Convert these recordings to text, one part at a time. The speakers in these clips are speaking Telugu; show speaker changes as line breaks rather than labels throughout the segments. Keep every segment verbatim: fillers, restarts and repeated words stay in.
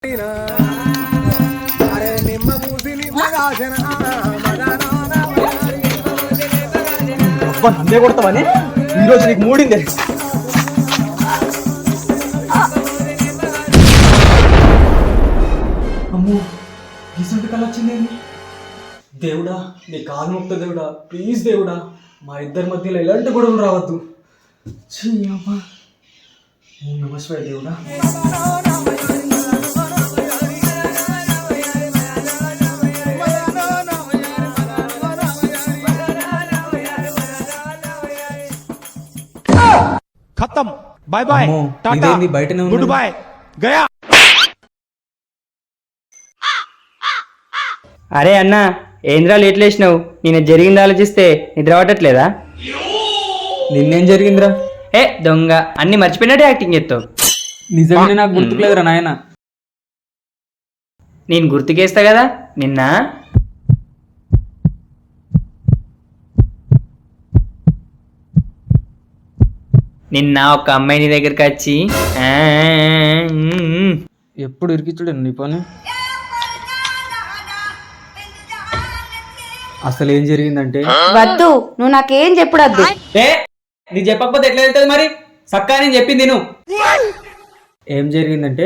అందే కొడతావని ఈరోజు నీకు మూడింది. అమ్మో రీసెంట్ కల్ వచ్చింది. దేవుడా నీ కాలు మొక్త దేవుడా, ప్లీజ్ దేవుడా మా ఇద్దరి మధ్యలో ఎలాంటి గొడవలు రావద్దు. అమ్మా ఓం నమః శివాయ దేవుడా.
खत्म bye bye tata good bye गया.
అరే అన్న ఏంద్రా లేట్ లేచినావు? నేను జరిగింది ఆలోచిస్తే నిద్ర పట్టట్లేదా?
నిన్నేం జరిగిందిరా?
ఏ దొంగ, అన్ని మర్చిపోయినట్టే యాక్టింగ్ చేస్తావు.
నిజంగానే నాకు గుర్తులేదురా నాయన.
నేను గుర్తుకేస్తా కదా నిన్న. నిన్న ఒక అమ్మాయి నీ దగ్గరికి వచ్చి
ఎప్పుడు ఇరికిచ్చుడు నీ పని. అసలు ఏం జరిగిందంటే,
వద్దు నువ్వు నాకేం చెప్పుడద్దు.
ఏ నీకు చెప్పకపోతే ఎట్లా వెళ్తుంది మరి? సక్కా నేను చెప్పింది నువ్వు. ఏం జరిగిందంటే,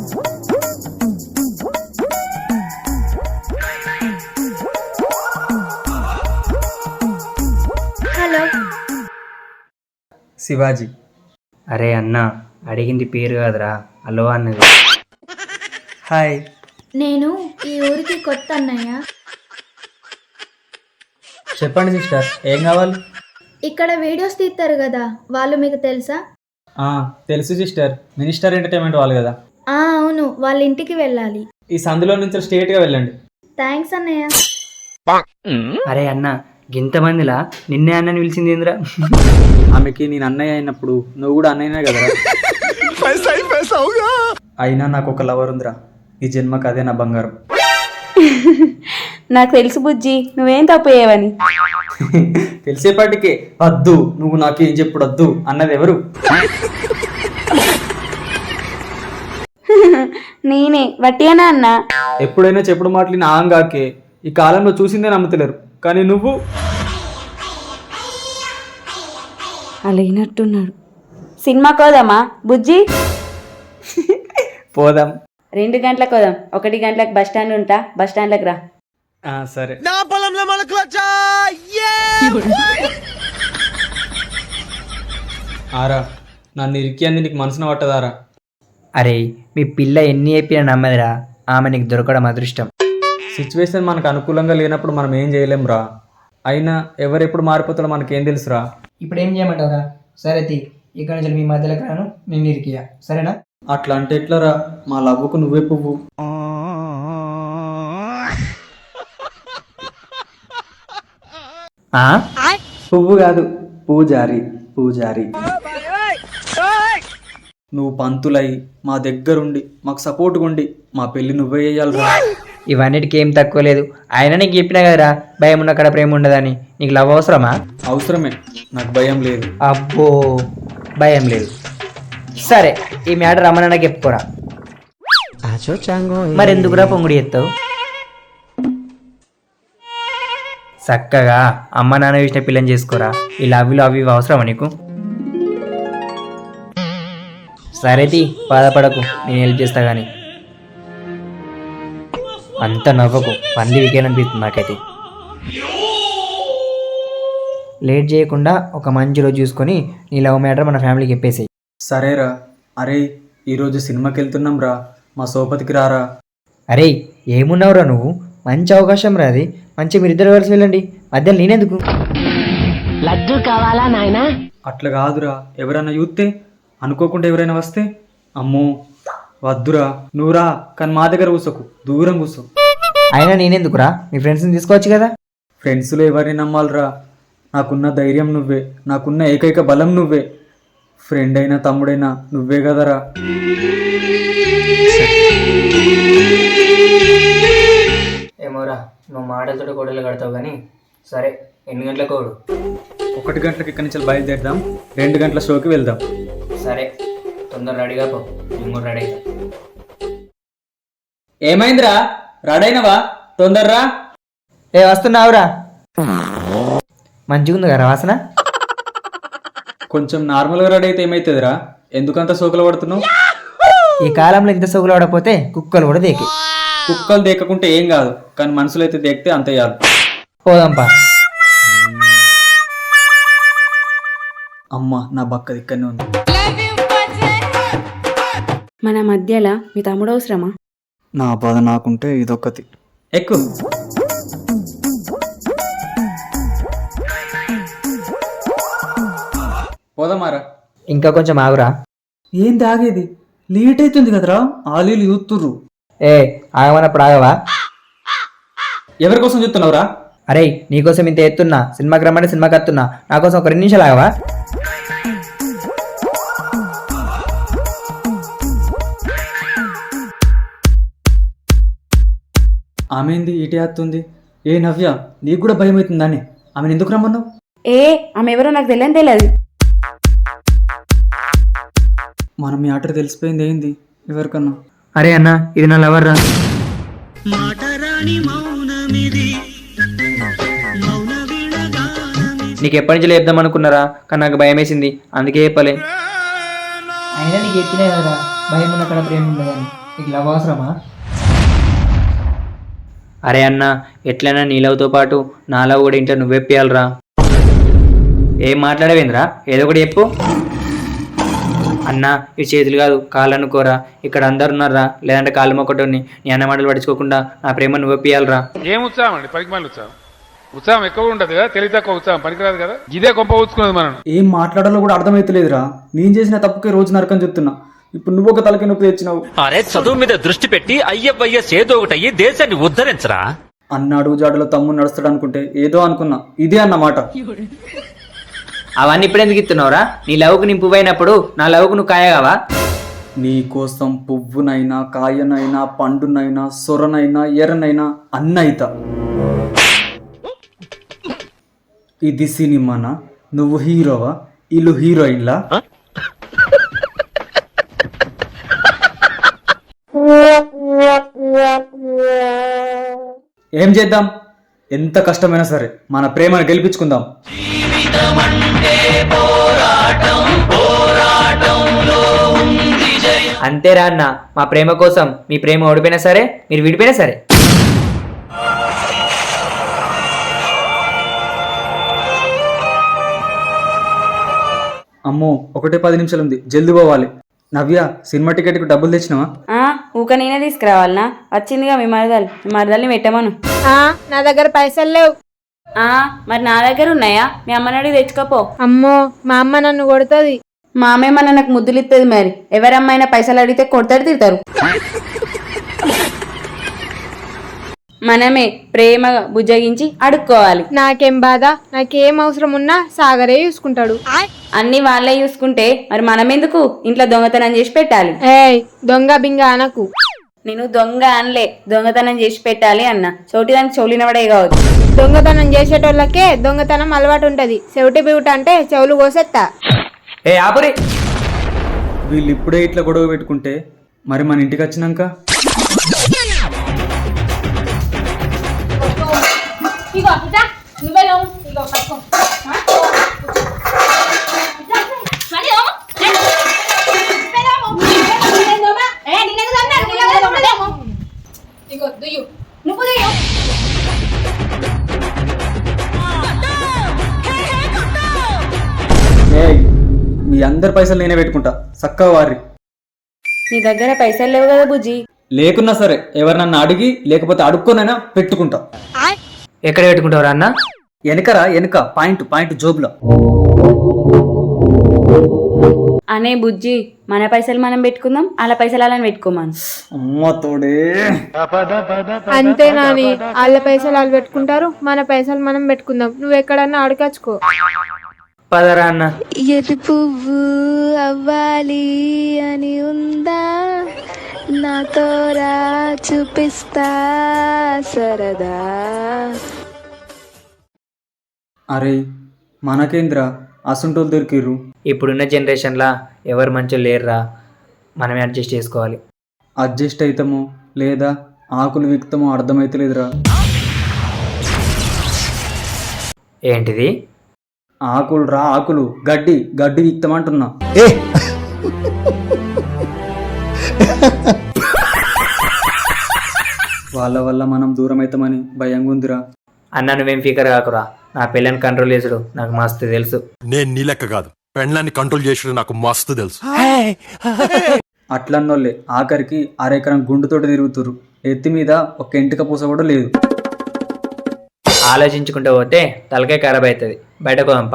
హలో
శివాజీ.
అరే అన్న అడిగింది పేరు కాదురా, అలో అన్నది.
హాయ్.
నేను ఈ ఊరికి కొత్త అన్నయ్య.
చెప్పండి సిస్టర్, ఏం కావాలి?
ఇక్కడ వీడియోస్ తీస్తారు కదా, వాళ్ళు మీకు తెలుసా?
తెలుసు సిస్టర్, మినిస్టర్ ఎంటర్టైన్మెంట్ వాళ్ళు కదా.
ఆ అవును, వాళ్ళ ఇంటికి వెళ్ళాలి.
ఈ సందులో నుంచి స్ట్రేట్ గా వెళ్ళండి.
థ్యాంక్స్ అన్నయ్య.
అరే అన్న గింతమందిలా నిన్నే అన్నని పిలిచింది ఏంద్రా?
ఆమెకి నేను అన్నయ్య అయినప్పుడు నువ్వు కూడా అన్నయ్యనే కదరా. అయినా నాకు ఒక లవర్ ఉందిరా, ఈ జన్మకు అదే నా బంగారం.
నాకు తెలుసు బుజ్జి, నువ్వేం తప్పు చేయవని.
తెలిసేపాటికే వద్దు నువ్వు నాకేం చెప్పుడు వద్దు అన్నది ఎవరు?
నేనే వట్టిగానా అన్నా.
ఎప్పుడైనా చెప్పుడు మాటలు నా ఆంగాకే. ఈ కాలంలో చూసిందే నమ్ముతలేరు, కానీ నువ్వు
అలాగినట్టున్నాడు. సినిమా కోదామా బుజ్జి?
పోదాం.
రెండు గంటలకు కోదాం. ఒకటి గంటలకు బస్ స్టాండ్ ఉంటా, బస్ స్టాండ్లకు రా.
సరే. ఆరా నన్ను ఇరికి అంది నీకు మనసున పట్టదారా?
అరే మీ పిల్ల ఎన్ని చెప్పినా నమ్మదిరా, ఆమె నీకు దొరకడం అదృష్టం.
సిచ్యువేషన్ మనకు అనుకూలంగా లేనప్పుడు మనం ఏం చేయలేం రా. అయినా ఎవరెప్పుడు మారిపోతాడో మనకేం తెలుసురా.
ఇప్పుడు ఏం చేయమంటావురా? సరే తీ, ఇక్కడ నుంచి మీ మధ్యలోకి రాను, నేను ఇరికియా, సరేనా?
అట్లా అంటే ఎట్లరా? మా లవ్వుకు నువ్వే పువ్వు. పువ్వు కాదు, పూజారి పూజారి. నువ్వు పంతులై మా దగ్గరుండి మాకు సపోర్ట్గా ఉండి మా పెళ్లి నువ్వే చేయాలిరా.
ఇవన్నిటికి ఏం తక్కువ లేదు. ఆయన నీకు చెప్పినా కదరా భయం ఉన్న కాడ ప్రేమ ఉండదని. నీకు లవ్ అవసరమా?
అవసరమే, నాకు భయం లేదు.
అబ్బో భయం లేదు. సరే ఈ మ్యాటర్ రమ్మనకి చెప్పుకోరా. మరి ఎందుకురా పొంగుడి ఎత్తావు? చక్కగా అమ్మ నాన్న వేసిన పిల్లని చేసుకోరా. ఈ లవ్లు అవి ఇవి అవసరమా నీకు? సరేది బాధపడకు, నేను హెల్ప్ చేస్తా కానీ. అంత నవ్వకు, పంది వికేయాలనిపిస్తుంది నాకైతే. లేట్ చేయకుండా ఒక మంచి రోజు చూసుకొని నీ లవ్ మ్యాటర్ మన ఫ్యామిలీకి చెప్పేసాయి.
సరేరా. అరే ఈరోజు సినిమాకి వెళ్తున్నాం రా, మా సోపతికి రారా.
అరే ఏమున్నావురా నువ్వు? మంచి అవకాశం రాది, మంచి మీరిద్దరు కలిసి వెళ్ళండి, మధ్యలో నేనెందుకు?
లడ్డు కావాలా నాయనా?
అట్లా కాదురా, ఎవరైనా చూస్తే అనుకోకుండా ఎవరైనా వస్తే. అమ్మో వద్దురా, నువ్వురా కానీ మా దగ్గర కూర్చోకు, దూరం కూర్చో.
అయినా నేనెందుకురా, మీ ఫ్రెండ్స్ని తీసుకోవచ్చు కదా.
ఫ్రెండ్స్లో ఎవరిని నమ్మాలిరా? నాకున్న ధైర్యం నువ్వే, నాకున్న ఏకైక బలం నువ్వే. ఫ్రెండ్ అయినా తమ్ముడైనా నువ్వే కదరా.
ఏమోరా, నువ్వు మాటలతో గొడవలు కడతావు కానీ. సరే ఎన్ని గంటలకు కోడు?
ఒకటి గంటలకు ఇక్కడి నుంచి బయలుదేరదాం, రెండు గంటల షోకి వెళ్దాం.
సరే తొందర రెడీగా పో, నేను కూడా రెడీ అవుతా.
ఏమైందిరా రాడైనవా తొందర్రా.
ఏ వస్తున్నావురా? మంచిగుంది కదా వాసన?
కొంచెం నార్మల్గా రెడీ అయితే ఏమైతుందిరా? ఎందుకంత సోకులు పడుతున్నావు?
ఈ కాలంలో ఇంత సొగులు పడకపోతే కుక్కలు కూడా దేకి.
కుక్కలు దేకకుంటే ఏం కాదు, కానీ మనుషులు అయితే దేకితే అంతే చాలు.
పోదాంపా.
అమ్మ నా బక్క ఇక్కడనే ఉంది.
మన మధ్యలో మీ తమ్ముడు అవసరమా?
నా బాధ నాకుంటే ఇదొక్కటి ఎక్కువ. పోదామారా.
ఇంకా కొంచెం ఆగురా.
ఏం తాగేది? లేట్ అవుతుంది కదరా, ఆలీలు చూస్తుర్రు.
ఏ ఆగమన్నప్పుడు ఆగవా?
ఎవరి కోసం చూస్తున్నావురా?
అరే నీకోసం ఇంత ఎత్తున్నా, సినిమాకి రమ్మంటే సినిమాకి వస్తున్నా, నా కోసం ఒక రెండు నిమిషాలు ఆగవా?
ఆమె ఏంది ఇటే వస్తుంది? ఏ నవ్య, నీకు కూడా భయం అవుతుందానే? ఆమెను ఎందుకు రమ్మన్నావు?
ఏ ఆమె ఎవరో నాకు తెలియని తెలియదు.
మనం మీ ఆర్డర్ తెలిసిపోయింది ఏంది ఎవరికన్నా?
అరే అన్న ఇది నా లవర్ రా. నీకు ఎప్పటి నుంచి చెప్దాం అనుకున్నారా, కానీ నాకు భయం వేసింది, అందుకే చెప్పలే. అయినా నీకు చెప్పినా కదరా భయం ఉన్న కడ ప్రేమ ఉండదని. నీకు లవ్ అవసరమా? అరే అన్న ఎట్లైనా నీ లవ్తో పాటు నా లవ్ కూడా ఇంట్లో నువ్వెప్పియాలరా. ఏం మాట్లాడవేంద్రా, ఏదో ఒకటి చెప్పు. అన్న ఈ చేతులు కాదు కాళ్ళు అనుకోరా, ఇక్కడ అందరు ఉన్నారా, లేదంటే కాళ్ళు మొక్కటోని. నీ అన్న మాటలు పట్టించుకోకుండా నా ప్రేమ నువ్వెప్పియాలరా.
ఏం ఉత్సాహం అండి, పనికి మళ్ళీ ఉత్సాహం. ఉత్సాహం ఎక్కువ ఉంటుంది కదా, తెలివి తక్కువ ఉత్సాహం పనికిరాదు కదా. ఇదే గొప్ప ఊచుకున్నది మనం.
ఏం మాట్లాడాలో కూడా అర్థమైతలేదురా. నేను చేసిన తప్పుకే రోజు నరకం చెప్తున్నా, ఇప్పుడు నువ్వు ఒక తలకి నొప్పి తెచ్చినావు.
అరే చదువు మీద దృష్టి పెట్టి అయ్యవయ్యస్ ఏదో ఒకటయ్యి దేశాన్ని ఉద్ధరించరా.
అన్న అడుగు జాడలో తమ్ముడు నడుస్తాడు అనుకుంటే ఏదో అనుకున్నా, ఇదే అన్నమాట.
అవన్నీ ఇప్పుడు ఎందుకు ఇస్తున్నావురా? నీ లవ్కు నేను పువ్వైనప్పుడు నా లవ్కు నువ్వు కాయగావా?
నీ కోసం పువ్వునైనా కాయనైనా పండునైనా సొరనైనా ఎర్రనైనా అన్నైతా. ఇది సినిమానా? నువ్వు హీరోవా, ఇల్లు హీరోయిన్లా? ఏం చేద్దాం? ఎంత కష్టమైనా సరే మన ప్రేమను గెలిపించుకుందాం.
అంతేరా అన్న, మా ప్రేమ కోసం మీ ప్రేమ ఓడిపోయినా సరే, మీరు విడిపోయినా సరే.
అమ్మో ఒకటే పది నిమిషాలు ఉంది, జల్ది పోవాలి. నవ్య సినిమా టికెట్కి డబ్బులు తెచ్చినావా?
ఆ ఊక నేనే తీసుకురావాలనా? వచ్చిందిగా మీ మరదలు, మీ మరదల్ని పెట్టమను.
నా దగ్గర పైసలు లేవు.
ఆ మరి నా దగ్గర ఉన్నాయా? మీ అమ్మని అడిగి తెచ్చుకోపో.
అమ్మో మా అమ్మ నన్ను కొడుతుంది.
మా అమ్మేమన్నా నాకు ముద్దులు ఇస్తుంది, మరి ఎవరమ్మైనా పైసలు అడిగితే కొడతాడు తిడతారు. మనమే ప్రేమగా బుజ్జగించి అడుక్కోవాలి.
నాకేం బాధ, నాకేం అవసరం ఉన్నా సాగరే చూసుకుంటాడు.
అన్ని వాళ్ళే చూసుకుంటే మరి మనం ఎందుకు ఇంట్లో దొంగతనం చేసి పెట్టాలి?
ఏయ్ దొంగ బింగ అనకు.
నేను దొంగ అనలే, దొంగతనం చేసి పెట్టాలి అన్న. చోటి దానికి చౌలినవడే కావచ్చు.
దొంగతనం చేసేటోళ్ళకే దొంగతనం అలవాటు ఉంటది. చెవిటి బివుట అంటే చెవులు కోసేత్తా.
ఏ ఆపురి.
వీళ్ళు ఇప్పుడే ఇట్లా గొడవ పెట్టుకుంటే మరి మన ఇంటికి వచ్చినాక మీ అందరి పైసలు నేనే పెట్టుకుంటా, చక్కగా వారి.
నీ దగ్గర పైసలు లేవు కదా బుజ్జి?
లేకున్నా సరే ఎవరినన్నా అడిగి లేకపోతే అడుక్కోనైనా పెట్టుకుంటా.
ఎక్కడ పెట్టుకుంటావురా అన్న?
వెనకరా, వెనక పాయింట్ పాయింట్ జోబులో.
అనే బుజ్జి, మన పైసలు మనం పెట్టుకుందాం, అలా పైసలు అలా పెట్టుకోమను.
అమ్మ తోడే.
అంతే నాని, వాళ్ళ పైసలు వాళ్ళు పెట్టుకుంటారు, మన పైసలు మనం పెట్టుకుందాం. నువ్వు ఎక్కడన్నా అడగచ్చుకో.
పదరా అన్న.
ఎర్రి పువ్వు అవ్వాలి అని ఉందా, నాతోరా చూపిస్తా సరదా.
అరే మనకేంద్రా అసంటోళ్ళు దొరికిర్రు.
ఇప్పుడున్న జనరేషన్లా ఎవరు మంచిగా లేరురా, మనమే అడ్జస్ట్ చేసుకోవాలి.
అడ్జస్ట్ అవుతాము లేదా ఆకులు విక్తమో అర్థమైతలేదురా.
ఏంటిది?
ఆకులు రా ఆకులు, గడ్డి గడ్డి విక్తమంటున్నా. వాళ్ళ వల్ల మనం దూరం అవుతామని భయంగా ఉందిరా.
అన్న నువ్వేం ఫీకర్ కాకురా, నా పిల్లని కంట్రోల్ చేసుడు నాకు మస్తు తెలుసు.
నేను నీ లెక్క కాదు, పెండ్లాన్ని కంట్రోల్ చేసాడు నాకు మస్తు తెలుసు.
అట్లన్నోళ్ళే ఆఖరికి అరెకరం గుండుతోటి తిరుగుతురు. ఎత్తి మీద ఒక ఎంటిక పూస కూడా లేదు.
ఆలోచించుకుంటూ పోతే తలకాయ ఖరాబ్ అవుతుంది. బయటకు పంప.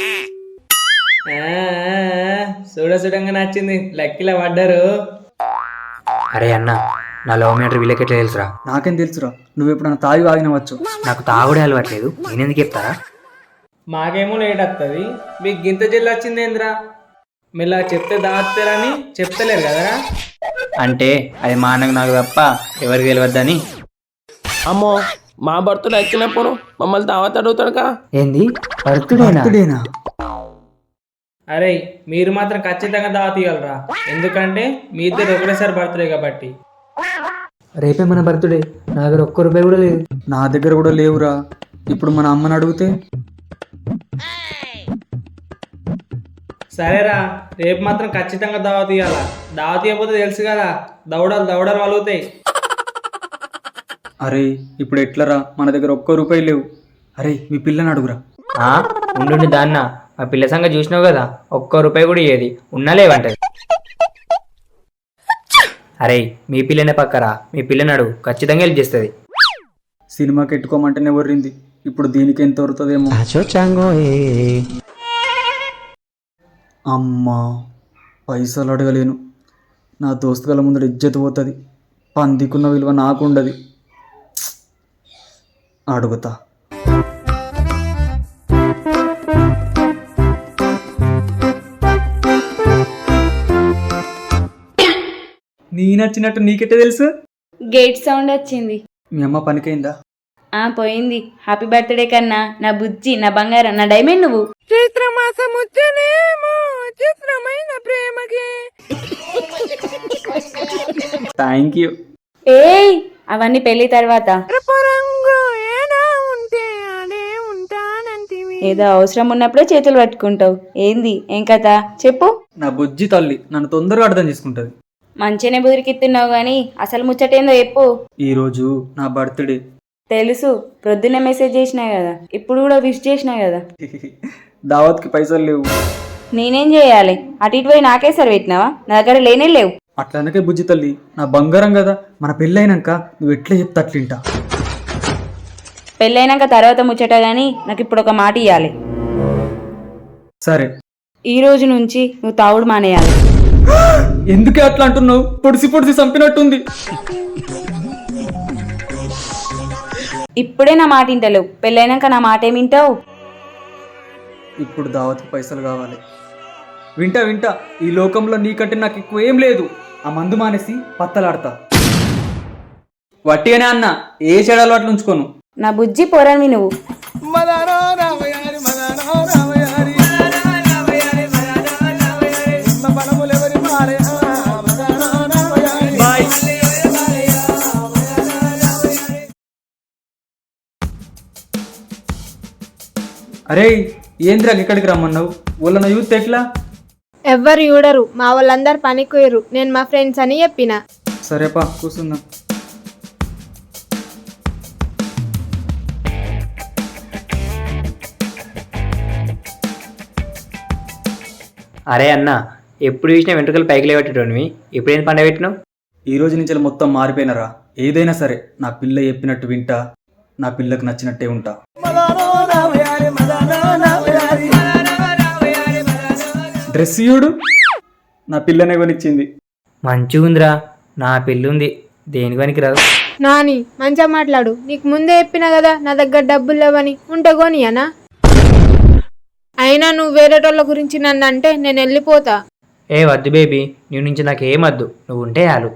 చూడ చూడంగా నచ్చింది, లక్కిలా పడ్డారు.
అరే అన్న, నా లవ్ మ్యాటర్ వీళ్ళకెట్లా తెలుసురా?
నాకేం తెలుసురా, నువ్వు ఎప్పుడన్నా తాగి వాగినవచ్చు.
నాకు తాగుడే అలవాట్లేదు, నేనెందుకు చెప్తారా?
మాకేమో లేట్ వస్తుంది, మీకు గింత జల్లు వచ్చింది ఏంద్రా? మెల్ల చెప్తే దాస్తారని చెప్తలేరు కదరా.
అంటే అది మా అన్నకు నాకు తప్ప ఎవరికి తెలియద్దని.
అమ్మో, మా భర్తలు ఎక్కినప్పుడు మమ్మల్ని దావత్ అడుగుతాడుగా.
ఏంది బర్త్డేనా?
అరే మీరు మాత్రం ఖచ్చితంగా దావత్ ఇవ్వాలరా, ఎందుకంటే మీ ఇద్దరు ఒకటేసారి బర్త్డే కాబట్టి.
రేపే మన బర్త్డే, నా దగ్గర ఒక్క రూపాయి కూడా లేదు.
నా దగ్గర కూడా లేవురా. ఇప్పుడు మన అమ్మని అడిగితే
సరేరా, రేపు మాత్రం ఖచ్చితంగా దావత్ ఇవ్వాలా. దావత్ ఇవ్వకపోతే తెలుసు కదా, దౌడలు దౌడలు వలుగుతాయి.
అరే ఇప్పుడు ఎట్లరా, మన దగ్గర ఒక్క రూపాయి లేవు. అరే మీ పిల్లని అడుగురా.
ఉండు దాన్న, మా పిల్ల సంగతి చూసినావు కదా, ఒక్క రూపాయి కూడా ఇయ్యేది, ఉన్నా లేవంటది. అరే మీ పిల్లనే పక్కరా, మీ పిల్లని అడుగు, ఖచ్చితంగా హెల్ప్ చేస్తుంది.
సినిమాకి ఎట్టుకోమంటేనే వర్రింది, ఇప్పుడు దీనికి ఎంత వరుతుందేమో. అమ్మా పైసలు అడగలేను, నా దోస్తుల ముందర ఇజ్జత్ పోతుంది. పందికున్న విలువ నాకు ఉండదు. అడుగుతా. నీ నచ్చినట్టు నీకెట్టే తెలుసు?
గేట్ సౌండ్ వచ్చింది.
మీ అమ్మ పనికైందా?
ఆ పోయింది. హ్యాపీ బర్త్డే కన్నా, నా బుజ్జి, నా బంగారం, నా డైమండ్ నువ్వు.
Thank you.
ఏయ్ అవన్నీ పెళ్లి తర్వాత. ఏదో అవసరం ఉన్నప్పుడే చేతులు పట్టుకుంటావు. ఏంది ఏం కథ చెప్పు.
నా బుజ్జి తల్లి నన్ను తొందరగా అర్థం చేసుకుంటది.
మంచిగానే బుదిరికిస్తున్నావు గాని అసలు ముచ్చటేందో చెప్పు.
ఈరోజు నా బర్త్డే.
తెలుసు, ప్రొద్దునే మెసేజ్ చేసినా కదా, ఇప్పుడు కూడా విష్ చేసినా కదా.
దావత్కి పైసలు లేవు.
నేనేం చేయాలి? అటు ఇటు పోయి నాకే సరి పెట్టినావా? నా దగ్గర లేనే లేవు.
అట్లనకే బుజ్జి తల్లి, నా బంగారం కదా, మన పెళ్ళైనాక నువ్వు ఎట్లా చెప్తా అట్లింటా.
పెళ్ళైనాక తర్వాత ముచ్చట గాని నాకు ఇప్పుడు ఒక మాట ఇవ్వాలి.
సరే,
ఈ రోజు నుంచి నువ్వు తాగుడు మానేయాలి.
ఎందుకే అట్లా అంటున్నావు? పొడిసి పొడిసి చంపినట్టుంది.
ఇప్పుడే నా మాట వింటలేవు, పెళ్ళైనాక నా మాట ఏమి వింటావు?
ఇప్పుడు దావత్కి పైసలు కావాలి. వింటా వింటా, ఈ లోకంలో నీకంటే నాకు ఎక్కువ ఏం లేదు. ఆ మందు మానేసి పత్తలాడతా. వట్టిగానే అన్న, ఏ చెడాలు అట్లా ఉంచుకోను.
నా బుజ్జి పోరాని నువ్వు.
అరే ఏంద్రా ఇక్కడికి రమ్మన్నావు? వాళ్ళ యూత్ ఎట్లా?
ఎవ్వరు చూడరు, మా వాళ్ళందరు పనికి పోయారు. నేను మా ఫ్రెండ్స్ అని చెప్పిన.
సరేపా కూర్చుందాం.
అరే అన్న, ఎప్పుడు చూసినా వెంట్రుకలు పైకి లేవట్టేటోనివి, ఎప్పుడేం పండ పెట్టినావు?
ఈ రోజు నుంచి మొత్తం మారిపోయినరా. ఏదైనా సరే నా పిల్ల చెప్పినట్టు వింటా, నా పిల్లకు నచ్చినట్టే ఉంటా. డ్రెస్ చూడు, నా పిల్లనే కొనిచ్చింది.
మంచిగుందిరా, నా పెళ్ళుంది, దేనికి పనికి రాదు.
నాని మంచిగా మాట్లాడు. నీకు ముందే చెప్పినా కదా నా దగ్గర డబ్బులు లేవని. ఉంటే కొనియనా? అయినా నువ్వు వేరేటోళ్ళ గురించి నన్ను అంటే నేను వెళ్ళిపోతా.
ఏ వద్దు బేబీ, నీ నుంచి నాకేం వద్దు, నువ్వు ఉంటే చాలు.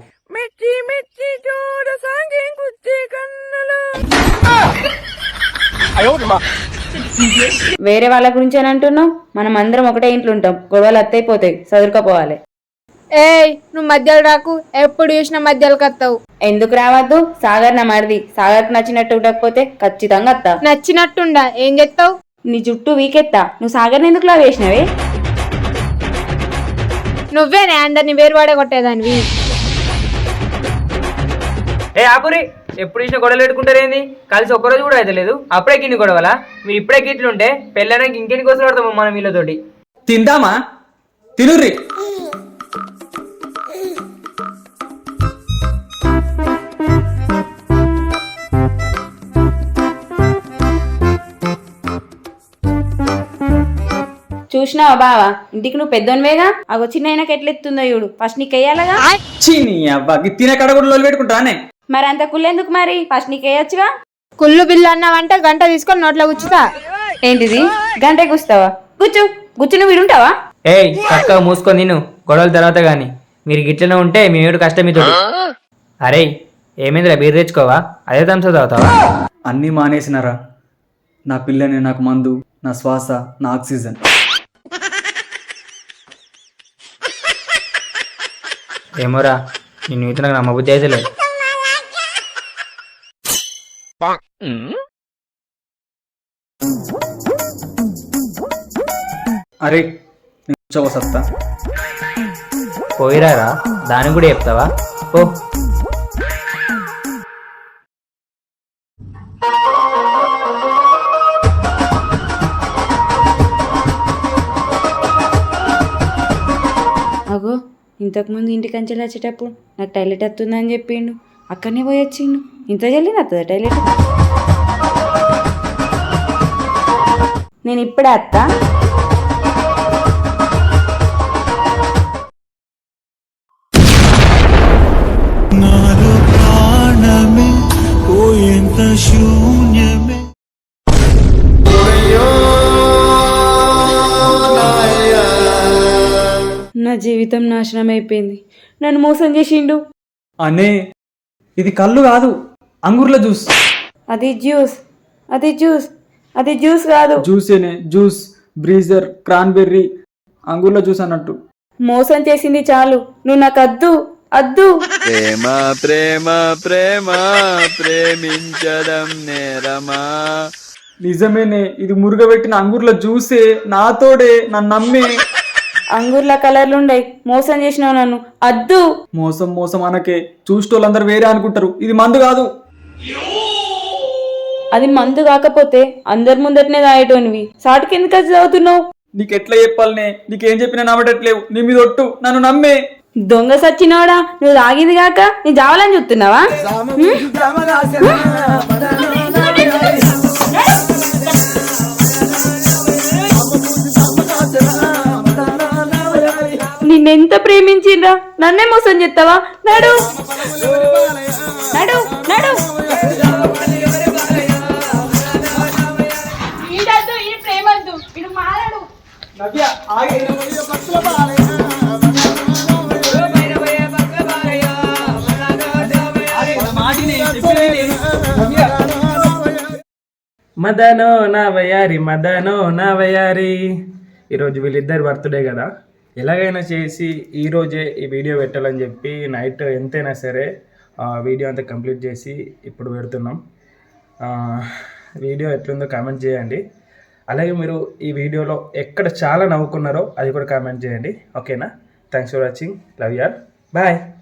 వేరే వాళ్ళ గురించి అని అంటున్నావు? మనం అందరం ఒకటే ఇంట్లో ఉంటాం, గొడవలు అత్తైపోతాయి, చదువుకోపోవాలి.
ఏయ్ నువ్వు మధ్యలో రాకు, ఎప్పుడు చూసినా మధ్యలోకి వస్తావు.
ఎందుకు రావద్దు? సాగర్ నా మరిది. సాగర్కి నచ్చినట్టు ఉండకపోతే ఖచ్చితంగా అత్త.
నచ్చినట్టుండా ఏం చెప్తావు?
నీ జుట్టు వీకెత్తా. నువ్వు సాగర్ని ఎందుకు లా వేసినవే?
నువ్వేనే అందరిని వేరువాడే కొట్టేదానివి.
ఏ ఆపురి, ఎప్పుడు ఇచ్చిన గొడవలు పెట్టుకుంటారేంది? కలిసి ఒక్కరోజు కూడా అయితే లేదు, అప్పుడే గిన్ని గొడవలా? మీరు ఇప్పుడే గిట్లుంటే పెళ్ళడానికి ఇంకెన్ని కోసం పడతాము మనం వీళ్ళతోటి.
తిందామా? తినుర్రి.
చూసినావా బావా, ఇంటికి నువ్వు పెద్దోనివేగా, అగో చిన్న అయినాక ఎట్లెత్తుందో చూడు. ఫస్ట్ నీకు వేయాలగా.
చీని అబ్బా, తినే కడ కూడా లోలు పెట్టుకుంటానే.
మరి అంత కుళ్ళెందుకు మరి? ఫస్ట్ నీకు వేయచ్చుగా.
కుళ్ళు బిల్లు అన్నావంటే గంట తీసుకొని నోట్లో గుచ్చుతా.
ఏంటిది గంట కూస్తావా? కూర్చో. కూర్చుని వీడుంటావా?
ఏయ్ చక్కగా మూసుకొని తిను, గొడవల తర్వాత గాని. మీరు గిట్లనే ఉంటే మీ ఏడు కష్టం మీతో. అరే ఏమైందిరా, బీర్ తెచ్చుకోవా? అదే థమ్స్ అప్ తాగుతావా?
అన్నీ మానేసినారా. నా పిల్లని నాకు మందు, నా శ్వాస, నా ఆక్సిజన్.
ఏమోరా, నేను ఇతను నాకు నమ్మబుద్ధి అయితే లేదు.
అరే నేను సత్తా
పోయిరారా, దానికి కూడా చెప్తావా? ఓ
అగో ఇంతకుముందు ఇంటికి అంచెలు వచ్చేటప్పుడు నాకు టాయిలెట్ వస్తుందని చెప్పిండు, అక్కడనే పోయి వచ్చిండు. ఇంత జల్లి వస్తుందా టాయిలెట్? నేను ఇప్పుడే అత్త. నా జీవితం నాశనం అయిపోయింది. నన్ను మోసం చేసిండు.
అనే ఇది కళ్ళు కాదు, అంగూర్ల జ్యూస్.
అది జ్యూస్, అది జ్యూస్, అది జ్యూస్ కాదు.
జ్యూసేనే, జ్యూస్, బ్రీజర్, క్రాన్బెర్రీ, అంగూర్ల జ్యూస్ అన్నట్టు.
మోసం చేసింది చాలు, నువ్వు నాకు అద్దు అద్దు.
ప్రేమ ప్రేమ ప్రేమ ప్రేమించడం నేరమా.
నిజమేనే, ఇది మురుగబెట్టిన అంగూర్ల జ్యూసే. నాతోడే, నన్ను నమ్మే.
అంగూర్ల కలర్లు ఉండయి, మోసం చేసినావు నన్ను. అద్దు.
మోసం మోసం అనకే, చూసేటోళ్ళందరూ వేరే అనుకుంటారు. ఇది మందు కాదు.
అది మందు కాకపోతే అందరి ముందటనే తాగేటోనివి, సాటుకి ఎందుకు అది చదువుతున్నావు?
నీకెట్లా చెప్పాలనే, నీకేం చెప్పినా నమ్మటట్లేవు. నీ మీద ఒట్టు, నన్ను నమ్మే.
దొంగ సచ్చినోడా, నువ్వు తాగింది కాక నీ జావాలని చూస్తున్నావా? నిన్నెంత ప్రేమించిండ్రా, నన్నే మోసం చేస్తావా? నడు నడు నడు.
మదనో నా వయారి, మదనో నా వయారి. ఈరోజు వీళ్ళిద్దరు బర్త్డే కదా, ఎలాగైనా చేసి ఈరోజే ఈ వీడియో పెట్టాలని చెప్పి నైట్ ఎంతైనా సరే వీడియో అంతా కంప్లీట్ చేసి ఇప్పుడు పెడుతున్నాం. వీడియో ఎట్లుందో కామెంట్ చేయండి. అలాగే మీరు ఈ వీడియోలో ఎక్కడ చాలా నవ్వుకున్నారో అది కూడా కామెంట్ చేయండి. ఓకేనా? Thanks for watching. Love you all. Bye.